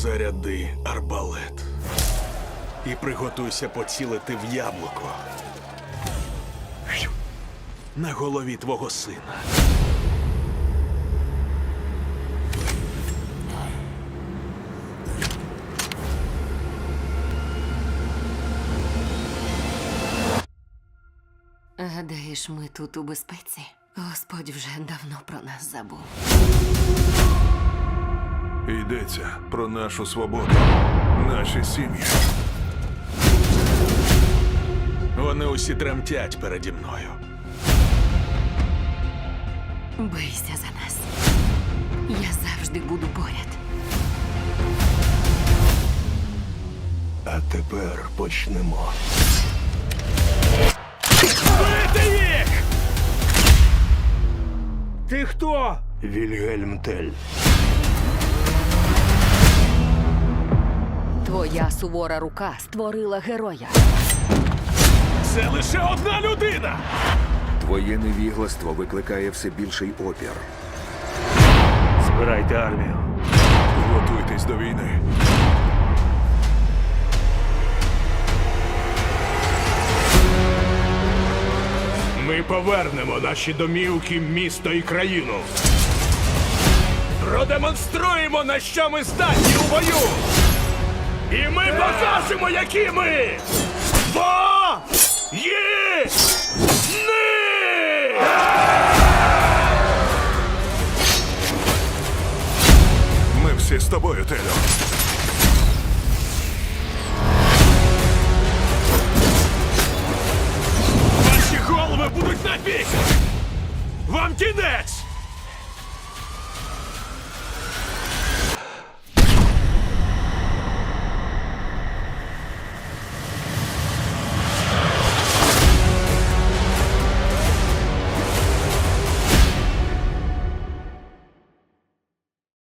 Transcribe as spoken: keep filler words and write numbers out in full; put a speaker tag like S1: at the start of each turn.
S1: Заряди арбалет. І приготуйся поцілити в яблуко. На голові твого сина.
S2: Гадаєш, ми тут у безпеці? Господь вже давно про нас забув.
S3: Йдеться про нашу свободу, наші сім'ї.
S1: Вони усі тремтять переді мною.
S2: Бийся за нас. Я завжди буду поряд.
S4: А тепер почнемо.
S1: Бити їх! Ти хто?
S4: Вільгельм Тель.
S2: Твоя сувора рука створила героя.
S1: Це лише одна людина!
S5: Твоє невігластво викликає все більший опір.
S4: Збирайте армію.
S3: Готуйтесь до війни.
S6: Ми повернемо наші домівки, місто і країну. Продемонструємо, на що ми здатні у бою. І ми покажемо, які ми воїни!
S3: Ми всі з тобою, Телю.